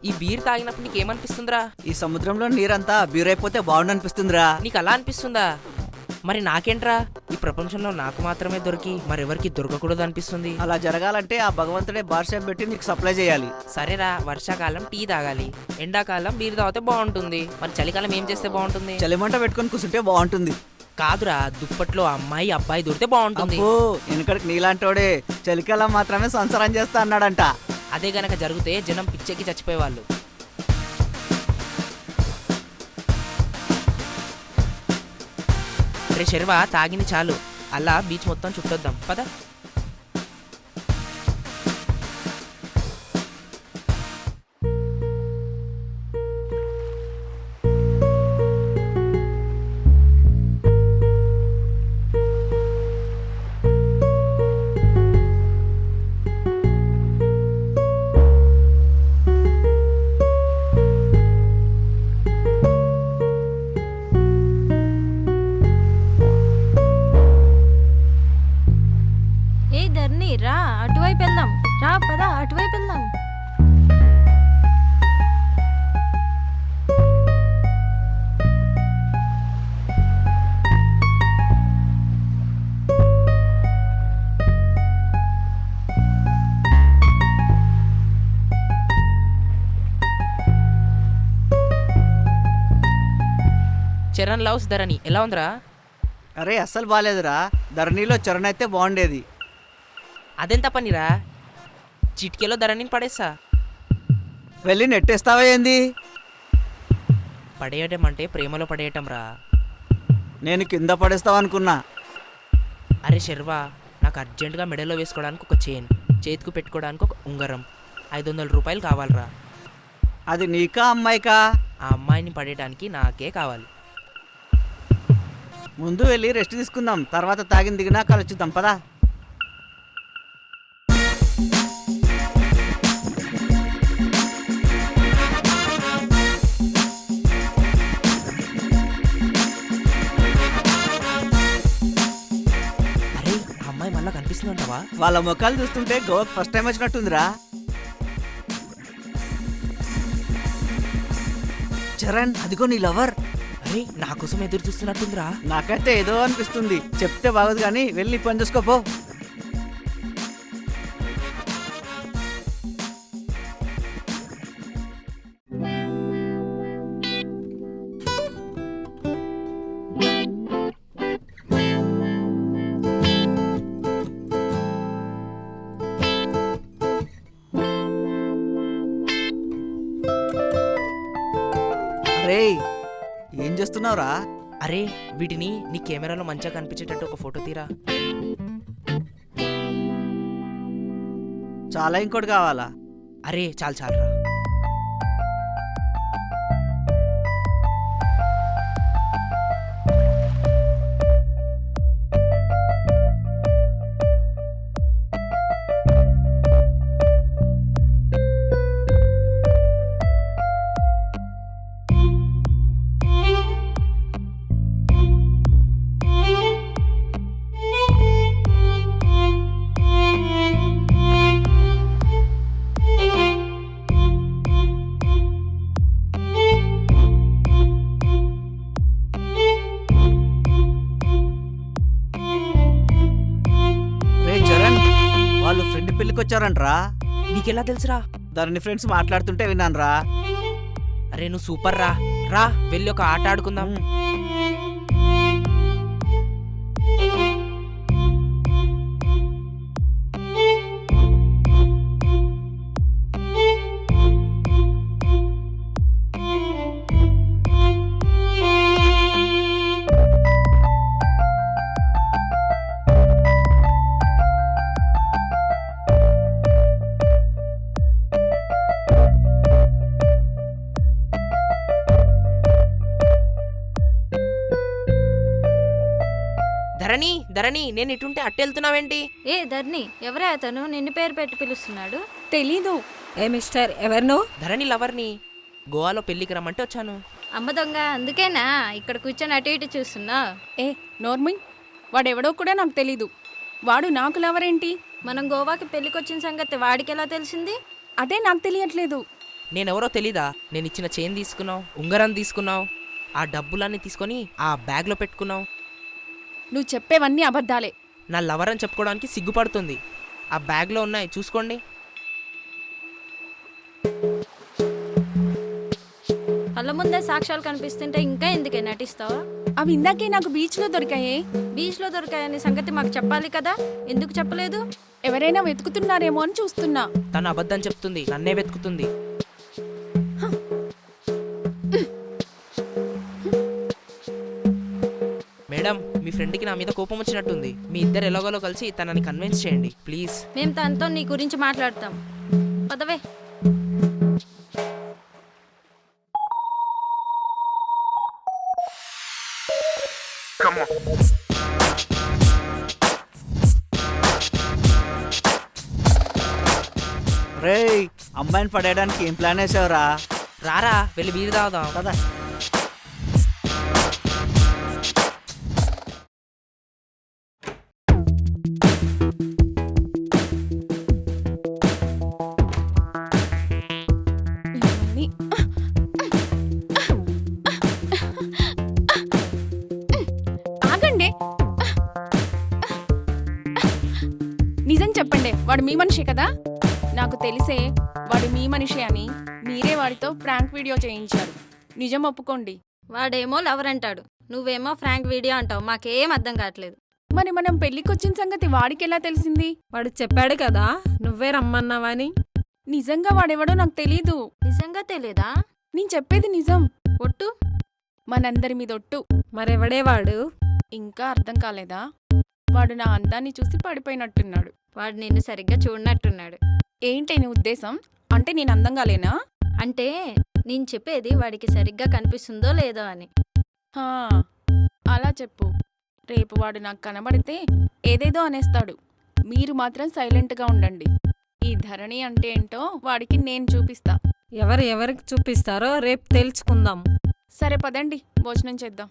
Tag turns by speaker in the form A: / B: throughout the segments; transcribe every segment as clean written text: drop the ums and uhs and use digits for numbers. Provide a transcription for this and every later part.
A: ఈ బీర్ తాగినప్పుడు నీకేమనిపిస్తుందిరా?
B: ఈ సముద్రంలో నీరంతా బీరైపోతే బాగుండనిపిస్తుందిరా.
A: నీకు అలా అనిపిస్తుందా? మరి నాకేంట్రా, ఈ ప్రపంచంలో నాకు మాత్రమే దొరికి మరెవరికి దొరకకూడదు అనిపిస్తుంది.
B: అలా జరగాలంటే ఆ భగవంతుడే బార్ షాప్ పెట్టి నీకు సప్లై చేయాలి.
A: సరేరా, వర్షాకాలం టీ తాగాలి, ఎండాకాలం బీర్ తాగితే బాగుంటుంది. మరి చలికాలం ఏం చేస్తే బాగుంటుంది?
B: చలిమంట పెట్టుకొని కూర్చుంటే బాగుంటుంది.
A: కాదురా, దుప్పట్లో అమ్మాయి అబ్బాయి దొరికితే బాగుంటుంది.
B: అబ్బో, వెనకడికి నీలాంటోడే చలికాలం మాత్రమే సంసారం చేస్తా అన్నాడంట.
A: అదే గనక జరిగితే జనం పిచ్చెక్కి చచ్చిపోయేవాళ్ళు. రే శర్వా, తాగింది చాలు, అలా బీచ్ మొత్తం చుట్టొద్దాం పద.
C: రా, అటువైపు వెళ్దాం. రా పద, అటువైపు వెళ్దాం.
A: చరణ్ లవ్స్ ధరణి ఎలా ఉందిరా?
B: అరే అస్సలు బాగాలేదురా. ధరణిలో చరణ్ అయితే బాగుండేది.
A: అదెంత పనిరా, చిటికెలో ధరణిని పడేస్తా.
B: వెళ్ళి నెట్టేస్తావా ఏంది?
A: పడేయటం అంటే ప్రేమలో పడేయటం రా.
B: నేను కింద పడేస్తావు అనుకున్నా.
A: అరే శర్వా, నాకు అర్జెంటుగా మెడలో వేసుకోవడానికి ఒక చైన్, చేతికి పెట్టుకోవడానికి ఒక ఉంగరం, 500 రూపాయలు కావాలరా.
B: అది నీకా అమ్మాయికా?
A: ఆ అమ్మాయిని పడేయడానికి నాకే కావాలి.
B: ముందు వెళ్ళి రెస్ట్ తీసుకుందాం, తర్వాత తాగిన దిగినా కలుచుద్దాం పదా.
A: అరే, ఆ అమ్మాయి మళ్ళా కనిపిస్తుందంటావా?
B: వాళ్ళ ముఖాలు చూస్తుంటే గోవాకి ఫస్ట్ టైం వచ్చినట్టుందిరా. చరణ్, అదిగో నీ లవర్.
A: అరే, నా కోసం ఎదురు చూస్తున్నట్టుందిరా.
B: నాకైతే ఏదో అనిపిస్తుంది. చెప్తే బాగోదు కానీ వెళ్ళి పని చూసుకోపో. అరే, ఏం చేస్తున్నావురా?
A: అరే, వీటిని నీ కెమెరాలో మంచిగా కనిపించేటట్టు ఒక ఫోటో తీరా.
B: చాలా ఇంకోటి కావాలా?
A: అరే చాలు చాలురా.
B: వాళ్ళు ఫ్రెండ్ పెళ్ళికి వచ్చారంట్రా.
A: నీకెలా తెలుసురా?
B: దాని ఫ్రెండ్స్ మాట్లాడుతుంటే విన్నానురా.
A: అరే నువ్వు సూపర్ రా. రా వెళ్ళి ఒక ఆట ఆడుకుందాం. ధరణి, ధరణి, నేను ఇటుంటే అట్టెళ్తున్నావేంటి?
C: ఏ ధరణి, ఎవరే అతను నిన్ను పేరు పెట్టి పిలుస్తున్నాడు?
D: తెలీదు. ఏ మిస్టర్, ఎవరినో?
A: ధరణి లవర్ని. గోవాలో పెళ్లికి రమ్మంటే వచ్చాను.
C: అమ్మ దొంగ, అందుకేనా ఇక్కడ కూర్చొని అటు ఇటు చూస్తున్నా?
D: ఏ నోర్మింగ్, వాడెవడో కూడా నాకు తెలీదు. వాడు నాకు లవరేంటి?
C: మనం గోవాకి పెళ్ళికొచ్చిన సంగతి వాడికి ఎలా తెలిసింది?
D: అదే నాకు తెలియట్లేదు.
A: నేనెవరో తెలీదా? నేను ఇచ్చిన చైన్ తీసుకున్నావు, ఉంగరం తీసుకున్నావు, ఆ డబ్బులన్నీ తీసుకొని ఆ బ్యాగ్లో పెట్టుకున్నావు.
D: నువ్వు చెప్పేవన్నీ అబద్ధాలే.
A: నా లవర్ అని చెప్పుకోవడానికి సిగ్గుపడుతుంది. ఆ బ్యాగ్లో ఉన్నాయి, చూసుకోండి.
C: కళ్ళ ముందే సాక్ష్యాలు కనిపిస్తుంటే ఇంకా ఎందుకే నటిస్తావా?
D: అవి ఇందాకే నాకు బీచ్లో దొరికాయే.
C: బీచ్లో దొరికాయని సంగతి మాకు చెప్పాలి కదా, ఎందుకు చెప్పలేదు?
D: ఎవరైనా వెతుకుతున్నారేమో అని చూస్తున్నా.
A: తను అబద్ధం చెప్తుంది, నన్నే వెతుకుతుంది. మేడం, మీ ఫ్రెండ్కి నా మీద కోపం వచ్చినట్టుంది. మీ ఇద్దరు ఎలాగోలో కలిసి తనని కన్విన్స్ చేయండి ప్లీజ్.
C: మేము తనతో నీ గురించి మాట్లాడతాం. పదవే.
B: రేయ్, అమ్మాయిని పడేయడానికి ఏం ప్లాన్ వేసావురా?
A: రారా వెళ్ళి బీరు తాగుదాం.
B: కదా
D: ఇవన్నీ ఆగండి. నిజం చెప్పండి, వాడు మీ మనిషి కదా? నాకు తెలిసే వాడు మీ మనిషి అని మీరే వాడితో ప్రాంక్ వీడియో చేయించారు. నిజం ఒప్పుకోండి.
C: వాడేమో లవర్ అంటాడు, నువ్వేమో ఫ్రాంక్ వీడియో అంటావు. మాకేం అర్థం కావట్లేదు.
D: మరి మనం పెళ్లికొచ్చిన సంగతి వాడికి ఎలా తెలిసింది?
E: వాడు చెప్పాడు కదా నువ్వే రమ్మన్నావని.
D: నిజంగా వాడెవడో నాకు తెలీదు.
C: నిజంగా తెలియదా?
D: నేను చెప్పేది నిజం.
C: ఒట్టు.
D: మనందరి మీద ఒట్టు.
E: మరెవడే వాడు?
D: ఇంకా అర్థం కాలేదా? వాడు నా అందాన్ని చూసి పడిపోయినట్టున్నాడు.
C: వాడు నిన్ను సరిగ్గా చూడనట్టున్నాడు.
D: ఏంటి నీ ఉద్దేశం? అంటే నేను అందంగా లేనా?
C: అంటే నేను చెప్పేది వాడికి సరిగ్గా కనిపిస్తుందో లేదో అని.
D: హా, అలా చెప్పు. రేపు వాడు నాకు కనబడితే ఏదేదో అనేస్తాడు. మీరు మాత్రం సైలెంట్గా ఉండండి. ఈ ధరణి అంటే ఏంటో వాడికి నేను చూపిస్తా.
E: ఎవరికి చూపిస్తారో రేపు తెలుసుకుందాం.
D: సరే పదండి, భోజనం చేద్దాం.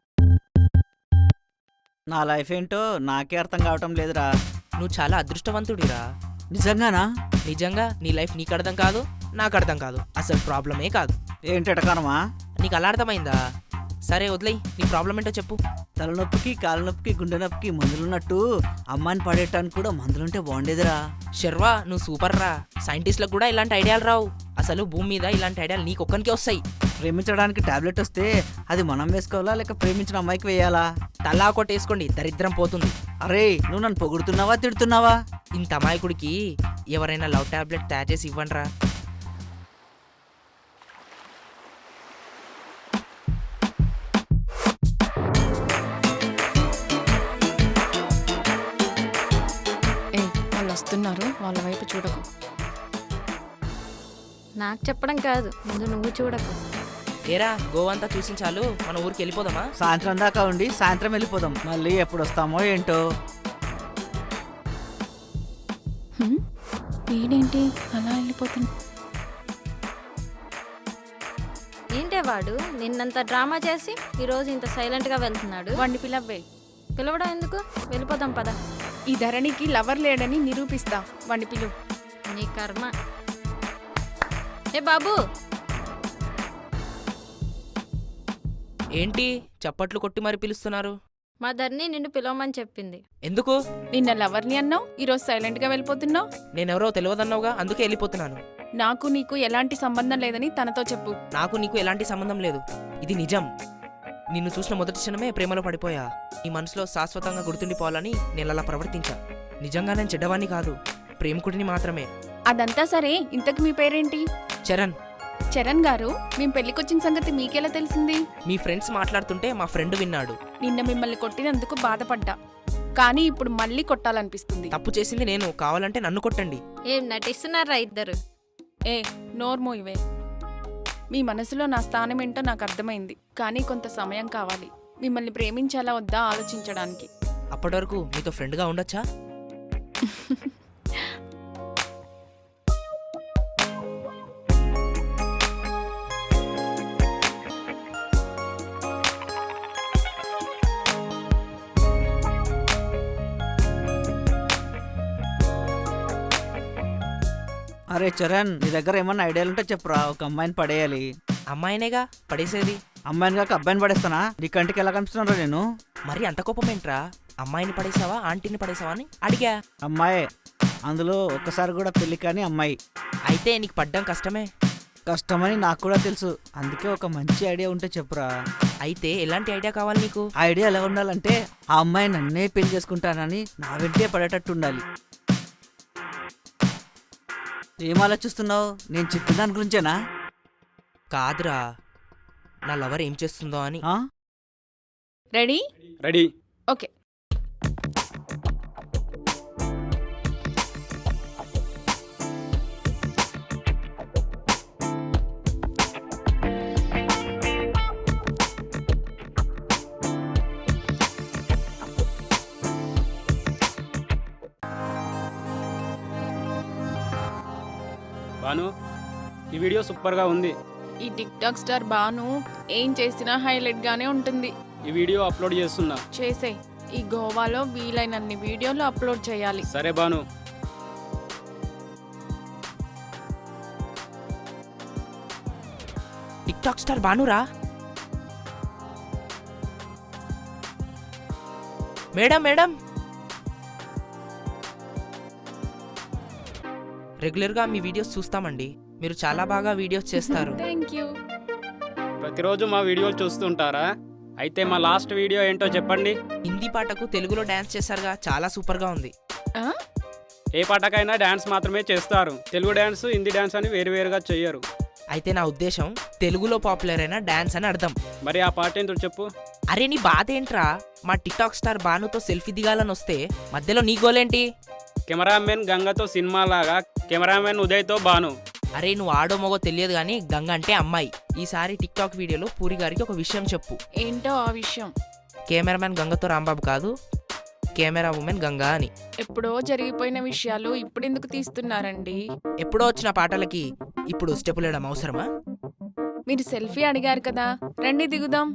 B: నా లైఫ్ ఏంటో నాకే అర్థం కావటం లేదురా.
A: నువ్వు చాలా అదృష్టవంతుడిరా.
B: నిజంగానా?
A: నిజంగా నీ లైఫ్ నీకు అర్థం కాదు, నాకు అర్థం కాదు. అసలు ప్రాబ్లమే కాదు.
B: ఏంటటకనమా?
A: నీకు అలా అర్థమైందా? సరే వదిలేయ్, నీ ప్రాబ్లం ఏంటో చెప్పు.
B: తలనొప్పికి, కాలు నొప్పికి, గుండె నొప్పికి మందులున్నట్టు అమ్మాయిని పడేయటానికి కూడా మందులుంటే బాగుండేదిరా.
A: శర్వా, నువ్వు సూపర్ రా. సైంటిస్టులకు కూడా ఇలాంటి ఐడియాలు రావు. అసలు భూమి మీద ఇలాంటి ఐడియాలు నీకొక్కనికే వస్తాయి.
B: ప్రేమించడానికి టాబ్లెట్ వస్తే అది మనం వేసుకోవాలా లేక ప్రేమించిన అమ్మాయికి వేయాలా?
A: తలా కొట్టేసుకోండి, దరిద్రం పోతుంది.
B: అరే, నువ్వు నన్ను పొగుడుతున్నావా తిడుతున్నావా?
A: ఇంత అమాయకుడికి ఎవరైనా లవ్ టాబ్లెట్ తయారు చేసి ఇవ్వండి రా.
D: ఏ, వాళ్ళు వస్తున్నారు, వాళ్ళ వైపు చూడకు.
C: నాకు చెప్పడం కాదు, ముందు నువ్వు చూడకు.
A: ఏరా, గోవంతా చూసిన చాలు, మన ఊరికి వెళ్ళిపోదామా?
B: సాయంత్రం దాకా ఉండి సాయంత్రం వెళ్ళిపోదాం. మళ్ళీ ఎప్పుడు వస్తామో ఏంటో.
D: హ్మ్? వీడేంటి అలా వెళ్ళిపోతుంది?
C: ఏంటే వాడు నిన్నంత డ్రామా చేసి ఈరోజు ఇంత సైలెంట్గా వెళ్తున్నాడు?
D: వాడిని పిలవ్వే.
C: పిలవడం ఎందుకు? వెళ్ళిపోదాం పద.
D: ఈ ధరణికి లవర్ లేడని నిరూపిస్తా. వాడిని పిలు.
C: నీ కర్మ. ఏ బాబు,
A: ఏంటి చప్పట్లు కొట్టి మరి పిలుస్తున్నారు?
C: మా ధరణి నిన్ను పిలవమని చెప్పింది.
A: ఎందుకు?
D: నిన్న లవర్ని అన్నావు, ఈరోజు సైలెంట్గా వెళ్ళిపోతున్నావు.
A: నేనెవరో తెలియదన్నావుగా, అందుకే వెళ్ళిపోతున్నాను.
D: నాకు నీకు ఎలాంటి సంబంధం లేదని తనతో చెప్పు.
A: నాకు నీకు ఎలాంటి సంబంధం లేదు, ఇది నిజం. నిన్ను చూసిన మొదటి క్షణమే ప్రేమలో పడిపోయా. నీ మనసులో శాశ్వతంగా గుర్తుండిపోవాలని నేను అలా ప్రవర్తించా. నిజంగా నేను చెడ్డవాణ్ణి కాదు, ప్రేమికుడిని మాత్రమే.
D: అదంతా సరే, ఇంతకు మీ పేరేంటి?
A: చరణ్.
D: చరణ్ గారు, మేం పెళ్లికొచ్చిన సంగతి మీకెలా తెలిసింది?
A: మీ ఫ్రెండ్స్ మాట్లాడుతుంటే మా ఫ్రెండ్ విన్నాడు.
D: నిన్న మిమ్మల్ని కొట్టినందుకు బాధపడ్డా, కానీ ఇప్పుడు మళ్ళీ కొట్టాలనిపిస్తుంది.
A: తప్పు చేసింది నేను, కావాలంటే నన్ను కొట్టండి.
C: ఏం నటిస్తున్నారా ఇద్దరు?
D: ఏ, నోర్మో ఇవే. మీ మనసులో నా స్థానం ఏంటో నాకు అర్థమైంది, కానీ కొంత సమయం కావాలి మిమ్మల్ని ప్రేమించాలా వద్దా ఆలోచించడానికి.
A: అప్పటి వరకు మీతో ఫ్రెండ్గా ఉండొచ్చా?
B: అరే చరణ్, నీ దగ్గర ఏమన్నా ఐడియాలు ఉంటే చెప్పురా. ఒక అమ్మాయిని పడేయాలి.
A: అమ్మాయినేగా పడేసేది.
B: అమ్మాయిని కాక అబ్బాయిని పడేస్తానా? నీ కంటికి ఎలా కనిపిస్తున్నారా నేను?
A: మరి అంత కోపమేంట్రా? అమ్మాయిని పడేసావా ఆంటీని పడేసావా అని అడిగా.
B: అమ్మాయే, అందులో ఒక్కసారి కూడా పెళ్లి కాని అమ్మాయి.
A: అయితే నీకు పడ్డం కష్టమే.
B: కష్టమని నాకు కూడా తెలుసు, అందుకే ఒక మంచి ఐడియా ఉంటే చెప్పురా.
A: అయితే ఎలాంటి ఐడియా కావాలి నీకు?
B: ఆ ఐడియా ఎలా ఉండాలంటే ఆ అమ్మాయి నన్నే పెళ్లి చేసుకుంటానని నా వెంటే పడేటట్టు ఉండాలి. ఏం ఆలోచిస్తున్నావు? నేను చెప్పిన దాని గురించేనా?
A: కాదురా, నా లవర్ ఏం చేస్తుందో అని.
B: ఆ?
D: రెడీ?
F: రెడీ.
D: ఓకే.
F: బాను, ఈ వీడియో సూపర్గా ఉంది.
D: ఈ టిక్ టాక్ స్టార్ బాను ఏం చేసినా హైలైట్ గానే ఉంటుంది.
F: ఈ వీడియో అప్లోడ్ చేస్తున్నా.
D: చేసే. ఈ గోవాలో వీలైనన్ని వీడియోలు అప్లోడ్ చేయాలి.
F: సరే బాను.
A: టిక్ టాక్ స్టార్ బానురా. మేడం మేడం, రెగ్యులర్గా మీ వీడియోస్ చూస్తామండి. మీరు చాలా బాగా వీడియోస్ చేస్తారు.
D: Thank you.
F: ప్రతిరోజు మా వీడియోలు చూస్తుంటారా? అయితే మా లాస్ట్ వీడియో ఏంటో చెప్పండి.
A: హిందీ పాటకు తెలుగులో డాన్స్ చేశారుగా, చాలా సూపర్గా ఉంది.
D: ఆ?
F: ఏ పాటకైనా డాన్స్ మాత్రమే చేస్తారు. తెలుగు డాన్స్, హిందీ డాన్స్ అని వేరువేరుగా చెయ్యరు.
A: అయితే నా ఉద్దేశం తెలుగులో పాపులర్ అయిన డాన్స్ అని అర్థం.
F: మరి ఆ పాట ఏంటో చెప్పు.
A: అరే నీ బాధ ఏంట్రా? మా టిక్ టాక్ స్టార్ బానుతో సెల్ఫీ దిగాలని వస్తే మధ్యలో నీ గోలేంటి?
F: కెమెరామెన్ గంగతో సినిమా లాగా కెమెరామెన్ ఉదయ్తో బాను.
A: అరే నువ్వు ఆడో మగో తెలియదు కానీ గంగ అంటే అమ్మాయి. ఈసారి టిక్ టాక్ వీడియోలో పూరి గారికి ఒక విషయం చెప్పు.
D: ఏంటో ఆ విషయం?
A: కెమెరామెన్ గంగతో రాంబాబు కాదు, కెమెరా ఉమెన్ గంగా అని.
D: ఎప్పుడో జరిగిపోయిన విషయాలు ఇప్పుడెందుకు తీస్తున్నారండి?
A: ఎప్పుడో వచ్చిన పాటలకి ఇప్పుడు స్టెప్పులు వేయడం అవసరమా?
D: మీరు సెల్ఫీ అడిగారు కదా, రండి దిగుదాం.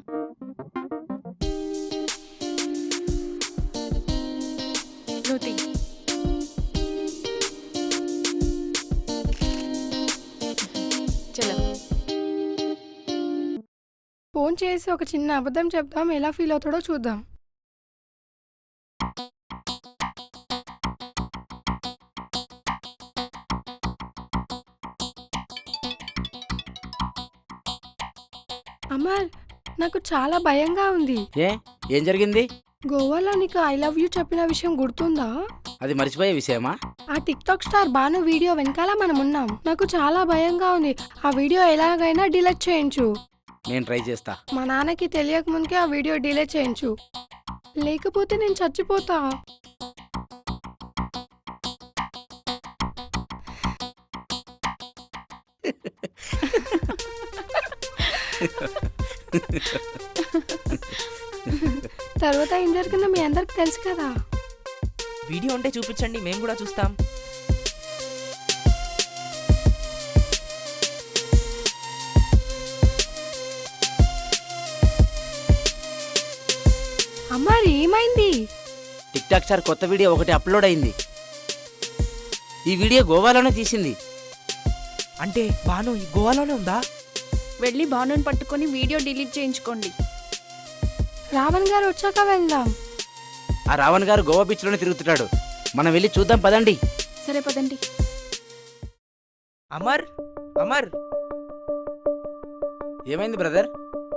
D: శృతి, చలో.
G: ఫోన్ చేసి ఒక చిన్న అబద్ధం చెప్దాం, ఎలా ఫీల్ అవుతాడో చూద్దాం. అమర్, నాకు చాలా భయంగా ఉంది.
H: ఏం జరిగింది?
G: గోవాలో నీకు ఐ లవ్ యూ చెప్పిన విషయం గుర్తుందా?
H: అది మర్చిపోయే విషయమా?
G: ఆ tik tok star Banu video వెనకాల మనం ఉన్నాం. నాకు చాలా భయంగా ఉంది. ఆ వీడియో ఎలాగైనా డిలీట్ చేయించు.
H: నేను ట్రై చేస్తా.
G: మా నాన్నకి తెలియక ముందుకే ఆ వీడియో డిలీట్ చేయించు, లేకపోతే నేను చచ్చిపోతా. తర్వాత ఏం జరిగిందో మీ అందరికి తెలుసు కదా.
A: వీడియో ఉంటే చూపించండి, మేము కూడా చూస్తాం.
G: అమ్మారు ఏమైంది?
H: టిక్ టాక్ స్టార్ కొత్త వీడియో ఒకటి అప్లోడ్ అయింది. ఈ వీడియో గోవాలోనే తీసింది.
A: అంటే బాను ఈ గోవాలోనే ఉందా?
D: వెళ్ళి బానుని పట్టుకొని వీడియో డిలీట్ చేయించుకోండి.
G: రావణ్ గారు వచ్చాక వెళ్దాం.
H: ఆ రావణ్ గారు గోవా బీచ్ లోనే తిరుగుతున్నాడు. మనం వెళ్ళి చూద్దాం పదండి.
D: సరే పదండి.
A: అమర్, అమర్,
H: ఏమైంది బ్రదర్?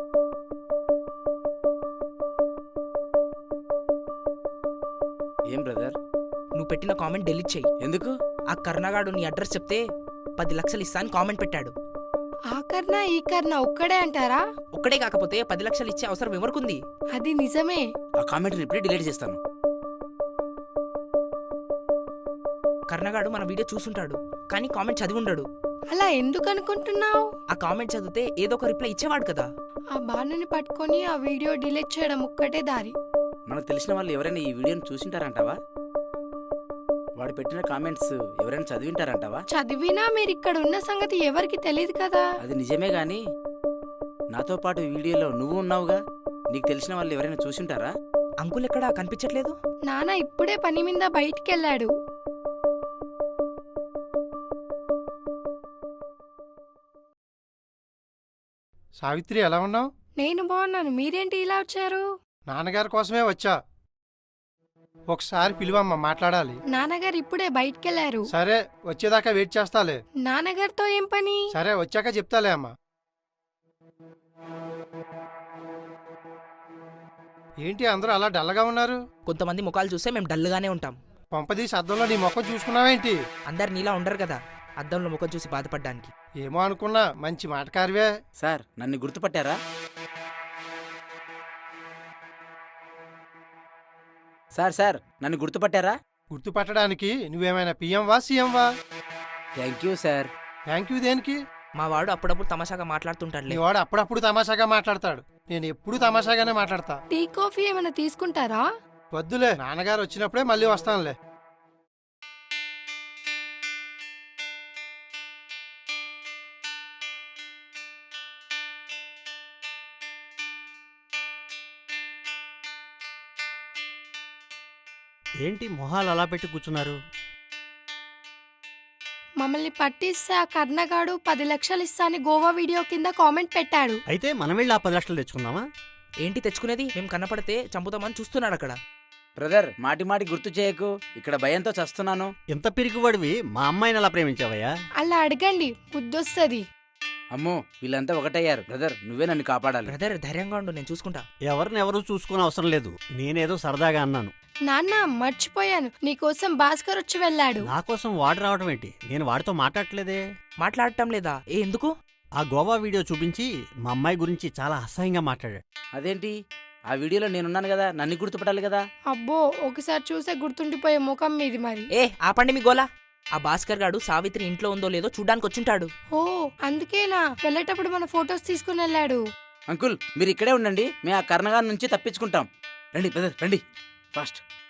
H: ఏం బ్రదర్?
A: నువ్వు పెట్టిన కామెంట్ డిలీట్ చెయ్యి.
H: ఎందుకు?
A: ఆ కర్ణగాడు నీ అడ్రస్ చెప్తే 10 లక్షలు ఇస్తా అని కామెంట్ పెట్టాడు.
G: ఆ కర్ణ ఈ కర్ణ ఒక్కడే అంటారా?
A: ఒక్కడే కాకపోతే 10 లక్షలు ఇచ్చే అవసరం ఎవరికుంది?
G: అది నిజమే.
H: ఆ కామెంట్ ఇప్పుడే డిలీట్ చేస్తాను.
A: కర్ణగాడు మన వీడియో చూసుంటాడు కానీ కామెంట్ చదివి ఉండడు.
G: అలా ఎందుకు అనుకుంటున్నావు?
A: ఆ కామెంట్ చదివితే ఏదో ఒక రిప్లై ఇచ్చేవాడు కదా.
G: ఆ బాణుని పట్టుకొని ఆ వీడియో డిలీట్ చేయడం ఒక్కటే దారి.
H: మనకు తెలిసిన వాళ్ళు ఎవరైనా ఈ వీడియోని చూసింటారంటావా? వాడు పెట్టిన కామెంట్స్ ఎవరైనా చదివింటారంటావా?
G: చదివినా మీరు ఇక్కడ ఉన్న సంగతి ఎవరికి తెలియదు కదా.
H: అది నిజమే గాని నాతో పాటు ఈ వీడియోలో నువ్వు ఉన్నావుగా, నీకు తెలిసిన వాళ్ళు ఎవరైనా చూసింటారా?
A: అంకుల్ ఎక్కడా కనిపించట్లేదు.
G: నాన్న ఇప్పుడే పని మీద బయటికి వెళ్ళాడు.
I: సావిత్రి ఎలా ఉన్నావు?
G: నేను బాగున్నాను. మీరేంటి ఇలా వచ్చారు?
I: నాన్నగారి కోసమే వచ్చా. ఒకసారి పిలువమ్మా, మాట్లాడాలి.
G: నాన్నగారు ఇప్పుడే బయటికెళ్లారు.
I: సరే, వచ్చేదాకా వెయిట్ చేస్తాలే.
G: నాన్నగారితో ఏం పని?
I: సరే, వచ్చాక చెప్తాలే అమ్మా. ఏంటి అందరూ అలా డల్లగా ఉన్నారు?
A: కొంతమంది ముఖాలు చూస్తే మేము డల్గానే ఉంటాం.
I: పంపదీసి అద్దంలో నీ ముఖం చూసుకున్నావేంటి?
A: అందరు నీలా ఉండరు కదా అద్దంలో ముఖం చూసి బాధపడ్డానికి.
I: ఏమో అనుకున్నా, మంచి మాటకారివే.
H: సార్ నన్ను గుర్తుపట్టారా? సార్ నన్ను గుర్తుపట్టారా?
I: గుర్తుపట్టడానికి నువ్వేమైనా పిఎంవా సీఎంవా?
H: Thank you sir.
I: Thank you దేనికి?
A: మా వాడు అప్పుడప్పుడు తమాషాగా మాట్లాడుతుంటాడులే.
I: నీ వాడు అప్పుడప్పుడు తమాషాగా మాట్లాడతాడు. నేను ఎప్పుడు తమాషాగానే మాట్లాడతా.
G: టీ కాఫీ ఏమైనా తీసుకుంటారా?
I: వద్దులే, నాన్నగారు వచ్చినప్పుడే మళ్ళీ వస్తానులే.
J: ఏంటి మొహాలు అలా పెట్టి కూర్చున్నారు?
G: మమ్మల్ని పట్టిస్తే ఆ కర్ణగాడు 10 లక్షలు ఇస్తా అని గోవా వీడియో కింద కామెంట్ పెట్టాడు.
J: అయితే మనం వెళ్ళి ఆ 10 లక్షలు తెచ్చుకుందామా?
A: ఏంటి తెచ్చుకునేది? మేము కనపడితే చంపుతామని చూస్తున్నాడు అక్కడ.
H: బ్రదర్ మాటి గుర్తు చేయకు, ఇక్కడ భయంతో చస్తున్నాను.
J: ఎంత పిరికివాడివి, మా అమ్మాయిని అలా ప్రేమించావయ్యా?
G: అలా అడగండి, బుద్ధొస్తుంది.
H: అమ్మో వీళ్ళంతా ఒకటయ్యారు. బ్రదర్ నువ్వే నన్ను కాపాడాలి.
A: బ్రదర్ ధైర్యంగా ఉండు, నేను చూసుకుంటా.
J: ఎవరినెవరూ చూసుకునే అవసరం లేదు, నేనేదో సరదాగా అన్నాను.
G: నాన్న మర్చిపోయాను, నీకోసం భాస్కర్ వచ్చి వెళ్ళాడు.
J: నా కోసం వాడు రావడం ఏంటి? నేను వాడితో మాట్లాడట్లేదే.
A: మాట్లాడటం లేదా? ఎందుకు?
J: ఆ గోవా వీడియో చూపించి మా అమ్మాయి గురించి చాలా అసహ్యంగా మాట్లాడాడు.
H: అదేంటి? ఆ వీడియోలో నేనున్నాను కదా, నన్ను గుర్తుపట్టాలి కదా.
G: అబ్బో, ఒకసారి చూసే గుర్తుండిపోయే ముఖం మీది మరి.
A: ఆపండి మీ గోలా. ఆ భాస్కర్ గాడు సావిత్రి ఇంట్లో ఉందో లేదో చూడ్డానికి వచ్చుంటాడు.
G: ఓ అందుకేనా వెళ్ళేటప్పుడు మన ఫొటోస్ తీసుకుని వెళ్ళాడు.
H: అంకుల్ మీరు ఇక్కడే ఉండండి, మేము ఆ కర్ణగారి నుంచి తప్పించుకుంటాం. రండి బ్రదర్ రండి, ఫాస్ట్.